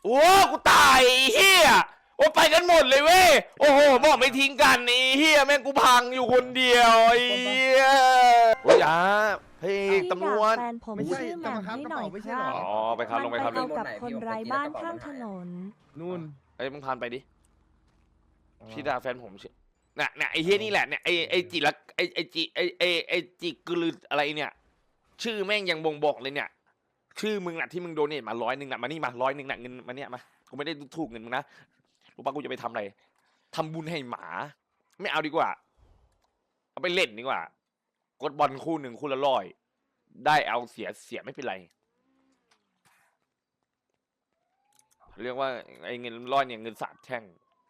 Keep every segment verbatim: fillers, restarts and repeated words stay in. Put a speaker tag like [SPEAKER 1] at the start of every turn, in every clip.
[SPEAKER 1] โอ้กูตายไอ้เฮียโอ้ไปกันหมดเลยเว้ยโอ้โหบอกไม่ทิ้งกันไอ้เฮียแม่งกูพังอยู่คนเดียวไอ้เฮียโอ้ยอ่ะเฮ้ยตำรวจ
[SPEAKER 2] แฟนผมชื่อแหม่มให้หน่อยครับ
[SPEAKER 1] อ๋อไปครับลงไปครับ
[SPEAKER 2] มันไปเอากับคนไร้บ้านข้างถนน
[SPEAKER 3] นู่น
[SPEAKER 1] เอ้ยมึงพานไปดิพี่ดาแฟนผมชื่อเนี่ยเนี่ยไอ้เฮียนี่แหละเนี่ยไอ้ไอ้จิละไอ้ไอ้จิไอ้ไอ้ไอ้จิกลืออะไรเนี่ยชื่อแม่งยังบ่งบอกเลยเนี่ยชื่อมึงน่ะที่มึงโดเนทมาร้อยหนึ่งน่ะมานี่มาร้อยหนึ่งน่ะเงินมาเนี่ยมากูไม่ได้ถูกเงินมึงนะรู้ปะกูจะไปทำอะไรทำบุญให้หมาไม่เอาดีกว่าเอาไปเล่นดีกว่ากดบอลคู่หนึ่งคู่ละร้อยได้เอาเสียเสียไม่เป็นไรเรียกว่าไอ้เงินร้อยเนี่ยเงินสาบแช่ง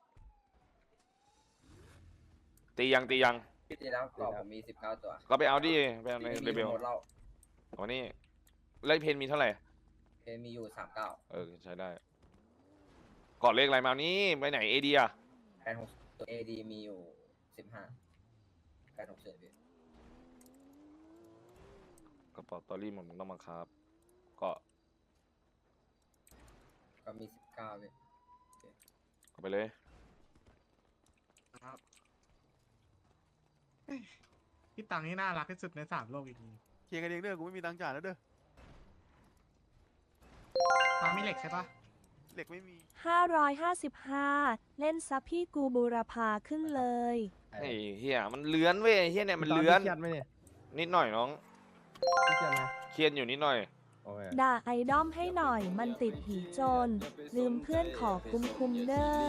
[SPEAKER 1] ตียังตียัง
[SPEAKER 4] พี่ตีแล้วกรอบผมมีสิบเก้าตัว
[SPEAKER 1] ก็ไปเอาดิไปเอาในเรเบล
[SPEAKER 4] หมดเรา
[SPEAKER 1] วันนี้ไล่เพนมีเท่าไหร่
[SPEAKER 4] เพมีอยู่สามเก้า
[SPEAKER 1] เออใช้ได้กอดเลขอะไรมานี้ไปไหนเอเดีย
[SPEAKER 4] แปดหกตัวเอดีมีอยู่สิบห้าแปดหกเฉยพี่
[SPEAKER 1] กระเป๋าตอรี่มันต้องมาครับก็
[SPEAKER 4] ก็มีสิบเก้าพี่
[SPEAKER 1] เอาไปเลย
[SPEAKER 5] พี่ตังนี่น่ารักที่สุดในสามโลกอีกที
[SPEAKER 3] เคลียร์กันเองเด้อกูไม่มีตังค์จ่ายแล้วเด้อ
[SPEAKER 5] ตังมีเหล็กใช่ปะ
[SPEAKER 3] เหล็กไม่มี
[SPEAKER 2] ห้าร้อยห้าสิบห้า เล่นซับพี่กูบูรพาขึ้นเลย
[SPEAKER 1] ไอ้เฮียมันเลื้อนเว้ยเฮียเนี่ยมันเลื้อน
[SPEAKER 3] เครียดไหมเนี่ย
[SPEAKER 1] นิดหน่อยน้อง
[SPEAKER 3] เครียดไหม
[SPEAKER 1] เครียดอยู่นิดหน่อย
[SPEAKER 3] โอเค
[SPEAKER 2] ด่าไอดอมให้หน่อยมันติดผีโจรลืมเพื่อนขอคุ้มคุมเด้อ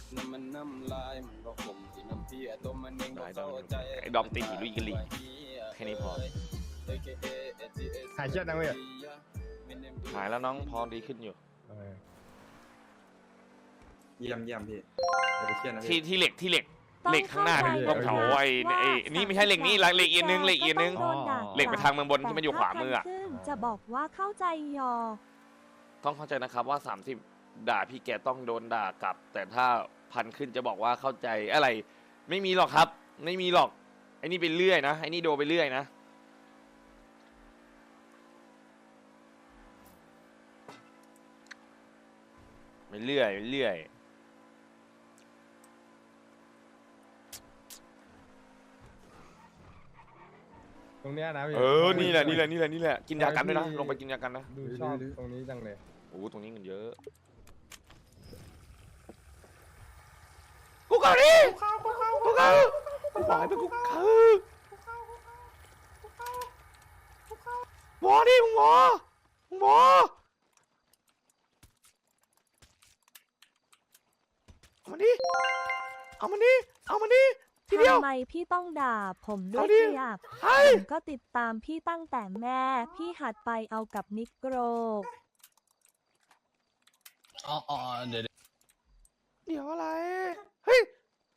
[SPEAKER 1] ได้ได้ไอ้ดอมตีหิลุยกะลีแค่นี้พอ
[SPEAKER 3] หายเครียดนะเว้ย
[SPEAKER 1] หายแล้วน้องพอดีขึ้นอยู่
[SPEAKER 3] โอเค
[SPEAKER 6] เยี่ยมเยี่ยมพี่อย่าไปเครียดนะ
[SPEAKER 1] ที่
[SPEAKER 6] พี่
[SPEAKER 1] ที่เหล็กที่เหล็ก
[SPEAKER 2] ต้อง
[SPEAKER 1] เหล็กข้างหน้า
[SPEAKER 2] เข้า
[SPEAKER 1] เนี่ย
[SPEAKER 2] ใจ
[SPEAKER 1] ต้องเผาไอ้ไอ้นี่ไม่ใช่เหล็กนี่เหล็กอีกนึงเหล็กอีกนึง
[SPEAKER 2] ก็ต้องโดนด่า
[SPEAKER 1] เหล็กไปทางเมืองบนที่มันอยู่ขวามืออะ
[SPEAKER 2] แต่ถ้าขึ้นจะบอกว่าเข้าใจยอ
[SPEAKER 1] ต้องเข้าใจนะครับว่าสามสิบด่าพี่แกต้องโดนด่ากลับ แต่ถ้าพันขึ้นจะบอกว่าเข้าใจอะไร ไม่มีหรอกครับ ไม่มีหรอกไอ้นี่ไปเรื่อยนะไอ้นี่โดนไปเรื่อยนะไปเรื่อยไปเรื่อย
[SPEAKER 3] ตรงเนี้ยนะพี่
[SPEAKER 1] เออนี่แหละนี่แหละนี่แหละนี่แหละกินยากันด้วยนะลงไปกินยากันนะ
[SPEAKER 3] ดูชอบตรงนี้จังเลย
[SPEAKER 1] โอ้ตรงนี้เงินเยอะกูเกาดิกูเกากูเกากูบอกให้เป็นกูเกาวอดิมึงวอมึงวอเอามันดิเอามันดิเอามันดิทีเดียว
[SPEAKER 2] ทำไมพี่ต้องด่าผมด้วย
[SPEAKER 1] เอาดิ
[SPEAKER 2] เสียบ
[SPEAKER 1] เฮ้ย
[SPEAKER 2] ผมก็ติดตามพี่ตั้งแต่แม่ พี่หัดไปเอากับนิโกร
[SPEAKER 7] อ๋ออ๋อเดี๋ยว
[SPEAKER 1] เดี๋ยวอะไรเฮ้ย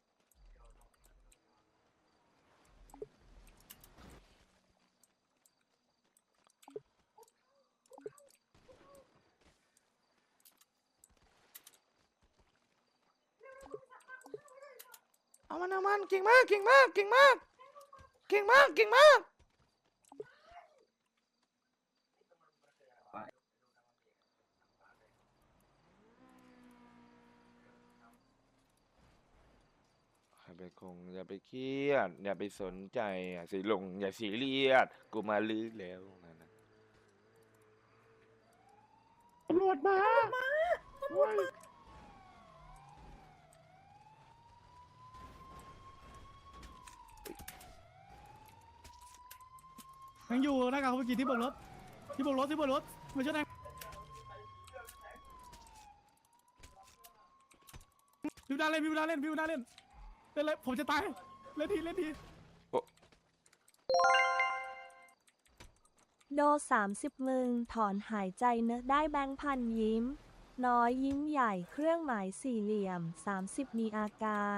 [SPEAKER 1] เอามันเอามันเก่งมากเก่งมากเก่งมากเก่งมากเก่งมากอย่าไปคงอย่าไปเครียดอย่าไปสนใจอย่าสิลงอย่าสีเรียดกูมาลื้อแล้วนั่นนะ
[SPEAKER 3] ตำรวจมายังอยู่หน้ากากเขาเมื่อกี้ที่บนรถที่บนรถที่บนรถมาช่วยหน่อยพี่บุญนาเล่นพี่บุญนาเล่นพี่บุญนาเล่นเล่นเลยผมจะตายเล่นทีเล่นที
[SPEAKER 2] โดสามสิบมึงถอนหายใจเนอะได้แบงค์พันยิ้ม น้อยยิ้มใหญ่เครื่องหมายสี่เหลี่ยมสามสิบมีอาการ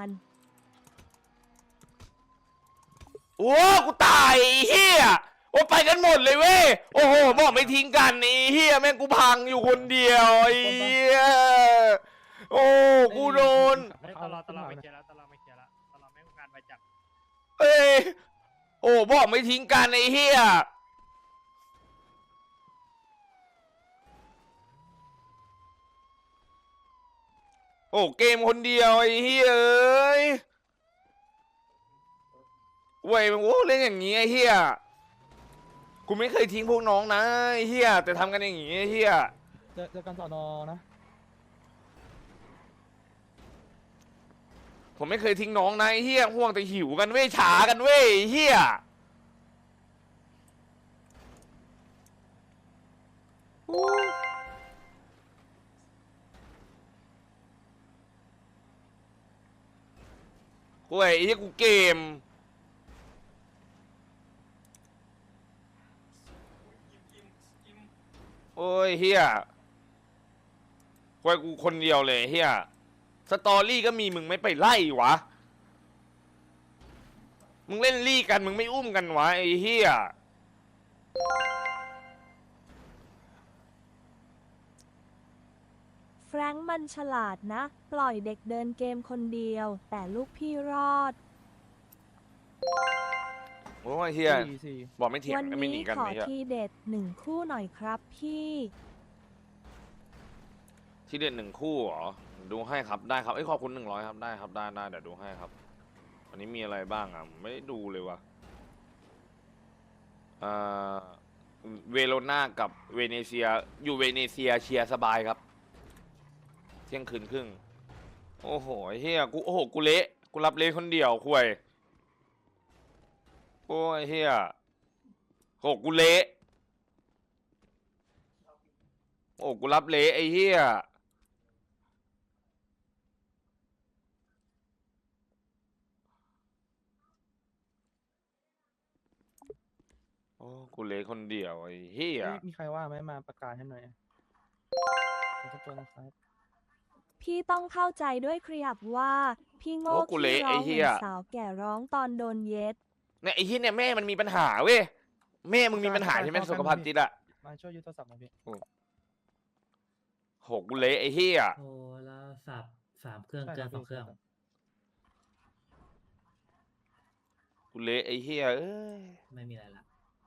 [SPEAKER 1] โอ้กูตายไอ้เฮียโอ้ไปกันหมดเลยเว้ยโอ้โหบอกไม่ทิ้งกันไอ้เฮียแม่งกูพังอยู่คนเดียวไอ้เฮียโอ้กูโดน
[SPEAKER 5] ตลอดตลอดไม่เคลียร์แล้วตลอดไม่เคลียร์แล้วตลอดไม่ต้องการไปจับ
[SPEAKER 1] เอ้ยโอ้บอกไม่ทิ้งกันไอ้เฮียโอ้เกมคนเดียวไอ้เหี้ยเอ้ยเว้ยมันโอ้เล่นอย่างงี้ไอ้เหี้ยกูไม่เคยทิ้งพวกน้องนะไอ้เหี้ยแต่ทำกันอย่างงี้ไอ้เหี้ย
[SPEAKER 3] เจอเจอกันสอนอนะ
[SPEAKER 1] ผมไม่เคยทิ้งน้องนะไอ้เหี้ยห่วงแต่หิวกันเว้ยฉากันเว้ยไอ้เหี้ยโอ้โว้ยไอ้เหี้ยกูเกมโอ้ยเหี้ยโว้ยกูคนเดียวเลยเหี้ยสตอรี่ก็มีมึงไม่ไปไล่วะ มึงเล่นลี่กันมึงไม่อุ้มกันวะไอ้เหี้ย
[SPEAKER 2] แฟรงค์มันฉลาดนะ ปล่อยเด็กเดินเกมคนเดียว แต่ลูกพี่รอด
[SPEAKER 1] โอ้ยเหี้ย
[SPEAKER 3] สี่สี่
[SPEAKER 1] บอกไม่เถียง
[SPEAKER 2] วัน
[SPEAKER 1] ไม่หนี
[SPEAKER 2] นี้
[SPEAKER 1] กัน
[SPEAKER 2] ขอ
[SPEAKER 1] ไอ้เหี้ย
[SPEAKER 2] ทีเด็ดหนึ่งคู่หน่อยครับพี่
[SPEAKER 1] ที่เด่นหนึ่งคู่เหรอดูให้ครับได้ครับไอ้ยขอบคุณหนึ่งร้อยครับได้ครับได้ได้เดี๋ยวดูให้ครับวันนี้มีอะไรบ้างอ่ะไม่ได้ดูเลยวะอ่าเวโรนากับเวเนเซียอยู่เวเนเซียเชียร์สบายครับเที่ยงคืนครึ่งโอ้โหไอ้เฮียกูโอ้โหกูเละกูรับเละคนเดียวคุยโอ้ยเฮียโอ้กูเละโอ้กูรับเละไอ้เฮียโอ้กูเละคนเดียวไอ้เฮีย
[SPEAKER 3] เอ้ยมีใครว่าไหมมาประกาศให้หน่อยขอบคุณนะครับ
[SPEAKER 2] พี่ต้องเข้าใจด้วยครับว่า พี่โง่
[SPEAKER 1] โอ้กู
[SPEAKER 2] ขี้
[SPEAKER 1] เละ
[SPEAKER 2] ร้
[SPEAKER 1] ไอ้
[SPEAKER 2] องเห
[SPEAKER 1] เหี้
[SPEAKER 2] มือย นสาวแก่ร้องตอนโดนเย็ด
[SPEAKER 1] เนี่ยไอ้เฮียเนี่ยแม่มันมีปัญหาเว้ยแม่มึงมีปัญหาใช่ไหมสุขภาพจิตอะ
[SPEAKER 3] มาช่วยยึดโทรศัพท์หน่อยพี่
[SPEAKER 1] โหกูเละไอ้เฮีย
[SPEAKER 8] โทรศัพท์สามเครื่อง
[SPEAKER 3] ใช่
[SPEAKER 8] เกิน
[SPEAKER 3] ค
[SPEAKER 8] ส
[SPEAKER 3] รั
[SPEAKER 8] อบ งเครื่อง
[SPEAKER 3] พี่
[SPEAKER 1] กูเละไอ้เฮียเอ้ย
[SPEAKER 8] ไม่มีอะไรละ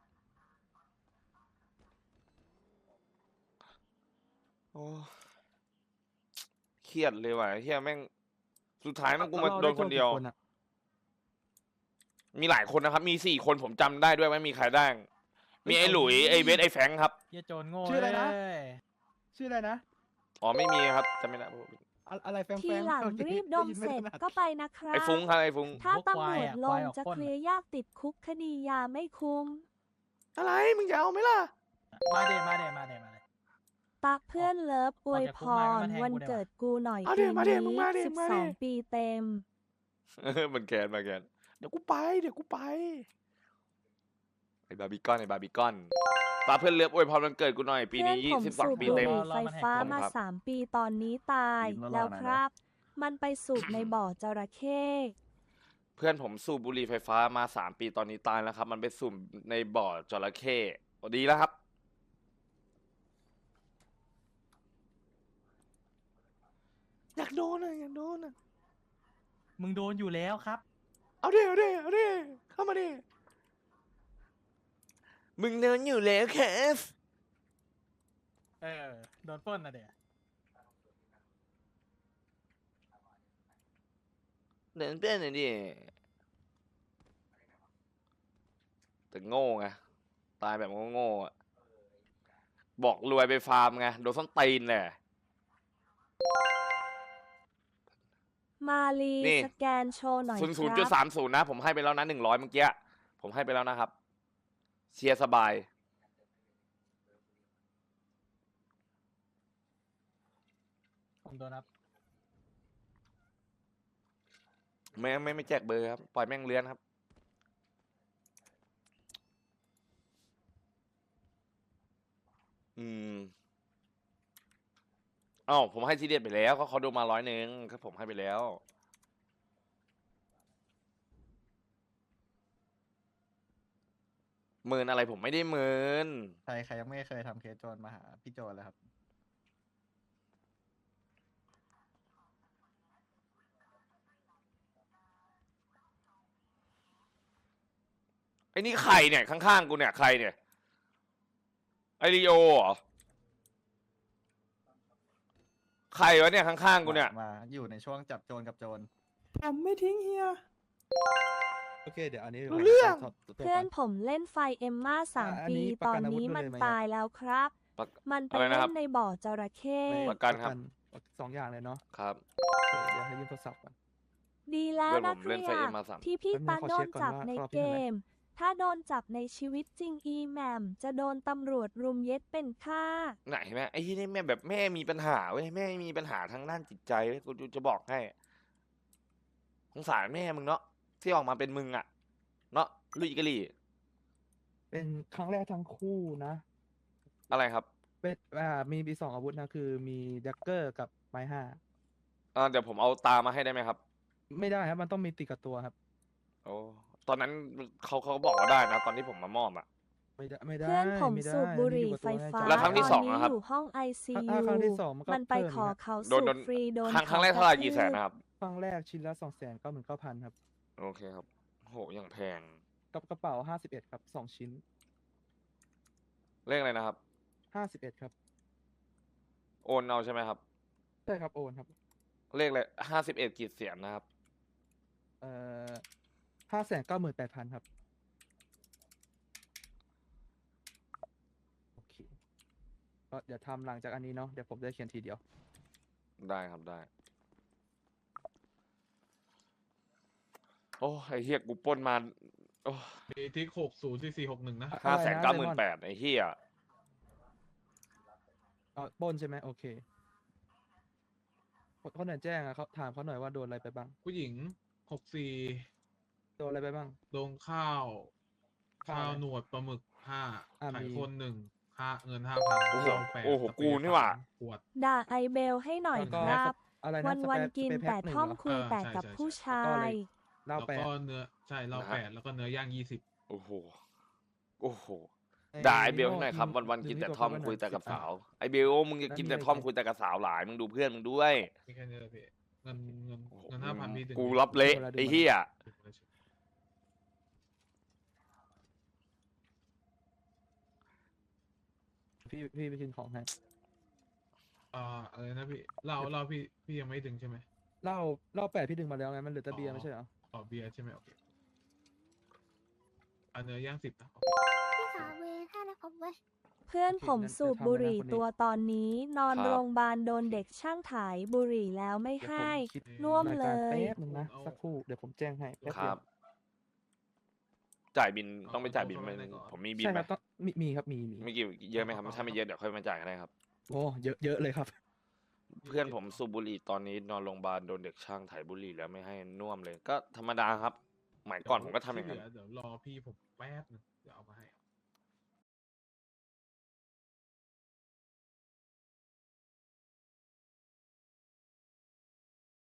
[SPEAKER 1] โอ้เครียดเลยว่ะไอ้เฮียแม่งสุดท้ายแม่งกูมา
[SPEAKER 3] แล้ว
[SPEAKER 1] โด
[SPEAKER 3] เรา
[SPEAKER 1] นคนเดียว
[SPEAKER 3] ไโจทกี่อะ
[SPEAKER 1] มีหลายคนนะครับ มีสี่คนผมจำได้ด้วยว่ามีใครได้งมีไอ้หลุยไอ้เวสไอ้แฟรงค์ครับ
[SPEAKER 3] เหี้ยโจรโง่ชื่ออะไรนะชื่ออะไรนะ
[SPEAKER 1] อ๋อไม่มีครับจำไม่ได้
[SPEAKER 3] อะอะไรแฟง
[SPEAKER 2] ที
[SPEAKER 3] แฟง
[SPEAKER 2] หลังรีบดมเสร็จก็ไปนะครั
[SPEAKER 1] ไอ้
[SPEAKER 2] บ
[SPEAKER 1] ฟุ้งครับไอ้ฟุ้ง
[SPEAKER 2] ถ้า
[SPEAKER 3] พวก
[SPEAKER 2] ตำรวจ
[SPEAKER 3] ควายอะ
[SPEAKER 2] ล
[SPEAKER 3] ควาง ยออก
[SPEAKER 2] จะ
[SPEAKER 3] ปล้น
[SPEAKER 2] เคลียร์ยากติดคุกคดียาไม่คุ้ม
[SPEAKER 1] อะไรมึงจะเอาไหมล่ะ
[SPEAKER 3] มาเดมาเดมาเดมาเด
[SPEAKER 2] ตาเพื่อนเลิฟอวยพ
[SPEAKER 3] ออกจากคุกมาก็
[SPEAKER 2] ร
[SPEAKER 3] มาแทง
[SPEAKER 2] วัน
[SPEAKER 3] กูได้
[SPEAKER 2] เกิดกูหน่อย
[SPEAKER 1] เอา
[SPEAKER 2] ปี
[SPEAKER 1] ดิมาดิ
[SPEAKER 2] นี้
[SPEAKER 1] มึงมาดิ
[SPEAKER 2] สิบ
[SPEAKER 1] มา
[SPEAKER 2] ส
[SPEAKER 1] ดิ
[SPEAKER 2] องปีเต็ม
[SPEAKER 1] มันแกนมาแกนเดี๋ยวกูไปเดี๋ยวกูไปไอ้บาร์บีคอนไอ้บาร์บีคอนตาเพื่อนเลือบอวยพรวันเกิดกูหน่อยปี
[SPEAKER 2] เพื่อ
[SPEAKER 1] นี้
[SPEAKER 2] น
[SPEAKER 1] ยี่
[SPEAKER 2] ผม
[SPEAKER 1] สิบสอง
[SPEAKER 2] สูบ
[SPEAKER 1] ปี
[SPEAKER 2] บุ
[SPEAKER 1] เต็
[SPEAKER 2] ห
[SPEAKER 1] ม
[SPEAKER 2] รี่ไฟฟ้า
[SPEAKER 1] ขอบคุณ
[SPEAKER 2] มา
[SPEAKER 1] ครับ
[SPEAKER 2] สามปีตอนนี้ตาย
[SPEAKER 3] ยิ้มรอๆ
[SPEAKER 2] แล้ว
[SPEAKER 3] หน่อยนะ
[SPEAKER 2] ครับ มันไปสูบในบ่อจระเข้
[SPEAKER 1] เพื่อนผมสูบบุหรี่ไฟฟ้ามาสามปีตอนนี้ตายแล้วครับ มันไปสูบในบ่อจระเข้โอ้ดีแล้วครับ อยากโดนอ่ะอยากโดนอ่ะ
[SPEAKER 3] มึงโดนอยู่แล้วครับ
[SPEAKER 1] เอาดิเอาดิเอาดิเข้ามาดิมึงโดนอยู่แล้วแคส
[SPEAKER 3] เออโดนปล้นนะเดี๋ยว
[SPEAKER 1] เดินเพื่อนหน่อยดิแต่โง่ไงตายแบบโง่ๆอ่ะบอกรวยไปฟาร์มไงโดนส้นตีนแหละ
[SPEAKER 2] มาลี
[SPEAKER 1] นี่
[SPEAKER 2] สแกนโชว์หน่อย
[SPEAKER 1] ศูนย์
[SPEAKER 2] ค
[SPEAKER 1] ศูนย์
[SPEAKER 2] รั
[SPEAKER 1] จุด
[SPEAKER 2] บ
[SPEAKER 1] สามศูนย์นะ ผมให้ไปแล้วนะหนึ่งร้อยเมื่อกี้ผมให้ไปแล้วนะครับ เชียร์สบาย
[SPEAKER 3] ผมโดนครับ
[SPEAKER 1] ไม่ไม่ไม่แจกเบอร์ครับ ปล่อยแม่งเลื้อนครับ อืมเอ้าผมให้ทีเด็ดไปแล้วเขาเขาโดนมาร้อยหนึ่งครับผมให้ไปแล้ว หมื่นอะไรผมไม่ได้หมื่น
[SPEAKER 9] ใครใครยังไม่เคยทำเคสโจรมาหาพี่โจรเลยครับ
[SPEAKER 1] ไอ้นี่ใครเนี่ยข้างๆกูเนี่ยใครเนี่ยไอริโอเหรอใครวะเนี่ยข้างๆกูเนี่ย
[SPEAKER 9] มาอยู่ในช่วงจับโจรกับโจร
[SPEAKER 3] อ่ะไม่ทิ้งเฮีย
[SPEAKER 6] โอเค เดี๋ยวอันนี้
[SPEAKER 1] รู้เรื่อง
[SPEAKER 2] เพื่อนผมเล่นไฟเอ็มมาสาม
[SPEAKER 6] อ่ะอัน
[SPEAKER 2] ปี
[SPEAKER 6] นี้ป
[SPEAKER 2] ต
[SPEAKER 6] ระ
[SPEAKER 2] อ
[SPEAKER 6] กัน นอาวุธ
[SPEAKER 2] นี้
[SPEAKER 6] ด้วย
[SPEAKER 2] มัน
[SPEAKER 6] ไหม
[SPEAKER 2] ตายแล้วครับ
[SPEAKER 1] ประ
[SPEAKER 2] มันไป
[SPEAKER 1] อะไรนะ
[SPEAKER 2] เล่
[SPEAKER 1] ครับ
[SPEAKER 2] นในบ่อจระเข้
[SPEAKER 1] ประกันครับ
[SPEAKER 6] สองอย่างเลยเนาะ
[SPEAKER 1] ครับ
[SPEAKER 6] โอเคเดี๋ยวให้ยืมโทรศัพท์ก่อน
[SPEAKER 2] ดีแล้ว
[SPEAKER 1] เพื่อน
[SPEAKER 2] นะ
[SPEAKER 1] ผม
[SPEAKER 2] ค
[SPEAKER 1] เล่
[SPEAKER 2] รั
[SPEAKER 1] นไฟเอ็มมาสาม
[SPEAKER 2] ที่พี่
[SPEAKER 6] แป๊บนึ
[SPEAKER 2] ตาง
[SPEAKER 6] ขอ
[SPEAKER 2] โด
[SPEAKER 6] เช็
[SPEAKER 2] น
[SPEAKER 6] คก่อน
[SPEAKER 2] จับ
[SPEAKER 6] ว่า
[SPEAKER 2] ใน
[SPEAKER 6] รอบที่
[SPEAKER 2] เก
[SPEAKER 6] เท่าไหร่
[SPEAKER 2] ม ถ้าโดนจับในชีวิตจริงอีแหมมจะโดนตำรวจรุมเย็ดเป็นฆ่า
[SPEAKER 1] ไหนแม่ไอ้ที่นี่แม่แบบแม่มีปัญหาเว้ยแม่มีปัญหาทางด้านจิตใจเว้ยกูจะบอกให้สงสารแม่มึงเนาะที่ออกมาเป็นมึงอะเนาะลุยกะลี่
[SPEAKER 6] เป็นครั้งแรกทั้งคู่นะ
[SPEAKER 1] อะไรครับ
[SPEAKER 6] เป็นอ่ามีมีสองอาวุธนะ คือมีดักเกอร์กับไม้ห้า
[SPEAKER 1] อ่าเดี๋ยวผมเอาตามาให้ได้ไหมครับ
[SPEAKER 6] ไม่ได้ครับ มันต้องมีติดกับตัวครับ
[SPEAKER 1] โอ้ตอนนั้นเขาเขาบอกว่าได้นะ ตอนที่ผมมามอบอะ
[SPEAKER 6] ไม่ได้ไม่ได้
[SPEAKER 2] เพื่อนผม
[SPEAKER 6] ไม่ได้
[SPEAKER 2] สูบบุหรี่
[SPEAKER 6] อัน
[SPEAKER 2] ไฟ
[SPEAKER 6] นี้อยู่กับตัว
[SPEAKER 2] ฟ้า
[SPEAKER 1] แล้วครั้งที่สอง
[SPEAKER 2] ตอน
[SPEAKER 1] อะ
[SPEAKER 2] นี้
[SPEAKER 1] ครับ
[SPEAKER 2] อยู่ห้องไอซี
[SPEAKER 6] อ่ะ
[SPEAKER 2] ยู
[SPEAKER 6] ครั้งที่สองมันก็
[SPEAKER 2] มันไป
[SPEAKER 6] เพิ่ม
[SPEAKER 2] ขอ
[SPEAKER 6] อีกนะ
[SPEAKER 2] เขา
[SPEAKER 1] โด
[SPEAKER 2] สู
[SPEAKER 1] นโด
[SPEAKER 2] บ
[SPEAKER 1] น
[SPEAKER 2] ฟรีโดน
[SPEAKER 1] ครั้งครั้ง
[SPEAKER 2] ข
[SPEAKER 1] แรกเท่าไหร่กี่แสนนะครับ
[SPEAKER 6] ครั้งแรกชิ้นละสองแสนเก้าหมื่นเก้าพันครับ
[SPEAKER 1] โอเคครับโหอย่างแพง
[SPEAKER 6] กับกระเป๋าห้าสิบเอ็ดครับสองชิ้น
[SPEAKER 1] เลขอะไรนะครับ
[SPEAKER 6] ห้าสิบเอ็ดครับ
[SPEAKER 1] โอนเอาใช่ไหมครับ
[SPEAKER 6] ใช่ครับโอนครับ
[SPEAKER 1] เลขเลยห้าสิบเอ็ดกี่เสียนนะครับ
[SPEAKER 6] เอ่อห้าแสนเก้าหมื่นแปดพันครับ โอเค ก็เดี๋ยวทำหลังจากอันนี้เนาะ เดี๋ยวผมจะเขียนทีเดียว
[SPEAKER 1] ได้ครับได้ โอ้ไอเฮียกูปล้นมาโอ้
[SPEAKER 5] มีทิกหกศูนย์สี่สี่หกหนึ่งนะ
[SPEAKER 1] ห้า
[SPEAKER 6] อะไร
[SPEAKER 1] แสน
[SPEAKER 6] นะ
[SPEAKER 1] เก้าห
[SPEAKER 6] เล
[SPEAKER 1] มื่
[SPEAKER 6] ม
[SPEAKER 1] น
[SPEAKER 6] อน
[SPEAKER 1] แปดไอเฮีย
[SPEAKER 6] อ๋อปล้นใช่ไหมโอเคคนคนไหนแจ้งอะเขาถามเขาหน่อยว่าโดนอะไรไปบ้าง
[SPEAKER 5] ผู้หญิงหกสี่
[SPEAKER 6] โดนอะไรไปบ้าง
[SPEAKER 5] ลงข้าว
[SPEAKER 6] ข้าว
[SPEAKER 5] ข้าว
[SPEAKER 6] อะไร
[SPEAKER 5] หนวดปลาหมึกห้า
[SPEAKER 6] อ่ะ
[SPEAKER 5] ไข่
[SPEAKER 6] มี
[SPEAKER 5] คนหนึ่งค่าเงินห้าพัน
[SPEAKER 1] โอ้โห
[SPEAKER 5] เราแปด
[SPEAKER 1] โอ้โห
[SPEAKER 5] สเปร
[SPEAKER 1] กู
[SPEAKER 5] ย์
[SPEAKER 1] นี่หว่า
[SPEAKER 5] สามขวด
[SPEAKER 2] ด่าไอเบลให้หน่อย
[SPEAKER 6] แล้ว
[SPEAKER 2] ค
[SPEAKER 6] ก็
[SPEAKER 2] รับ
[SPEAKER 6] อะไรนะ
[SPEAKER 2] วัน
[SPEAKER 6] ส
[SPEAKER 2] วัน
[SPEAKER 6] เปรย์
[SPEAKER 2] กิน
[SPEAKER 6] สเปรย์
[SPEAKER 2] แต่
[SPEAKER 6] แพ็คหนึ่ง
[SPEAKER 2] ท่อม
[SPEAKER 6] เหรอ
[SPEAKER 2] คุย
[SPEAKER 5] เออ
[SPEAKER 2] แต่
[SPEAKER 5] ใช่
[SPEAKER 2] กับ
[SPEAKER 5] ใช่
[SPEAKER 2] ผู้
[SPEAKER 5] ใช่
[SPEAKER 2] ชา
[SPEAKER 6] แล้วก็อะไร
[SPEAKER 2] ย
[SPEAKER 6] เหล้า
[SPEAKER 5] แล้ว
[SPEAKER 6] แปด
[SPEAKER 5] ก็เนื้อใช่เรา
[SPEAKER 1] นะฮะ
[SPEAKER 5] แปดแล้วก็เนื้อย่างยี่สิบ
[SPEAKER 1] โอ้โหโอ้โห
[SPEAKER 6] ไอ้
[SPEAKER 1] ด่าไอเบล
[SPEAKER 6] โง่
[SPEAKER 1] ให้หน่อยครับ
[SPEAKER 6] ดึง
[SPEAKER 1] วันวัน
[SPEAKER 6] ดึง
[SPEAKER 1] กิน
[SPEAKER 6] ที่
[SPEAKER 1] แต่
[SPEAKER 6] ตัว
[SPEAKER 1] ทอม
[SPEAKER 6] เขาไว้หน่อย
[SPEAKER 1] คุยแต่กับ
[SPEAKER 6] สิบอัน
[SPEAKER 1] สาวไอเบลมึงจะ
[SPEAKER 6] แล้ว
[SPEAKER 1] กิน
[SPEAKER 6] มี
[SPEAKER 1] แต่
[SPEAKER 6] อะไร
[SPEAKER 1] ทอม
[SPEAKER 6] อีก
[SPEAKER 1] คุยแต่กับสาวหลายมึงดูเพื่อนมึงด้วย
[SPEAKER 5] มีแค่นี้เลยพี่เงินเงิน
[SPEAKER 1] โอ้โห
[SPEAKER 5] เงินห้าพันพี่ดึง
[SPEAKER 1] กูรับเละไอเฮีย
[SPEAKER 6] พี่พี่ไปกินของให้
[SPEAKER 5] อ่าอะไรนะพี่เหล้าเหล้าพี่พี่ยังไม่ดึงใช่ไหม
[SPEAKER 6] เหล้าเหล้าแปดพี่ดึงมาแล้วไงมันเหลือแต่เบียร์
[SPEAKER 5] อ๋อ
[SPEAKER 6] ไม่ใช่เหรอ
[SPEAKER 5] อ๋อเบียร์ใช่ไหมโอเคอ่าเนื้อย่างสิบนะ
[SPEAKER 10] พี่ขาเวท่านะครับเว้ย
[SPEAKER 2] เพื่อน
[SPEAKER 6] โอเค
[SPEAKER 2] ผม
[SPEAKER 6] งั้น
[SPEAKER 2] สูบ
[SPEAKER 6] เดี๋ยวทำ
[SPEAKER 2] บุห
[SPEAKER 6] เลยนะ
[SPEAKER 2] รี่
[SPEAKER 6] คนนี้
[SPEAKER 2] ตัวตอนนี้ นอน
[SPEAKER 1] ครับ
[SPEAKER 2] โรงพยาบาลโดนเด็กช่างถ่ายบุหรี่แล้วไม่
[SPEAKER 6] เดี๋ยว
[SPEAKER 2] ให้
[SPEAKER 6] ผมคิด
[SPEAKER 2] น่วม
[SPEAKER 6] ราย
[SPEAKER 2] เล
[SPEAKER 6] การ
[SPEAKER 2] ย
[SPEAKER 6] แป๊บนึงนะสักครู่เดี๋ยวผมแจ้งให้แป๊บ
[SPEAKER 1] ค
[SPEAKER 6] เดี
[SPEAKER 1] รั
[SPEAKER 6] ยว
[SPEAKER 1] บ จ่ายบินต้องไปจ่ายบินไหมผมมีบิน
[SPEAKER 6] ใช่
[SPEAKER 1] ไห
[SPEAKER 6] ค
[SPEAKER 1] ม
[SPEAKER 6] รับต้องมีมีครับมีมี
[SPEAKER 1] ไม่กี่เยอะไหมครับถ้าไม่เยอะเดี๋ยวค่อยมาจ่ายก็ได้ครับ
[SPEAKER 6] โอ้เยอะเยอะเลยครับ
[SPEAKER 1] เพื่อนผมสูบบุหรี่ตอนนี้นอนโรงพยาบาลโดนเด็กช่างถ่ายบุหรี่แล้วไม่ให้น่วมเลย ก็ธรรมดาครับหมายก่อนผมก็ทำอย่างนั้น
[SPEAKER 5] ที่เหลืเดี๋ยวรอพี่ผมแป๊บนึงเดี๋ยวเอามาให้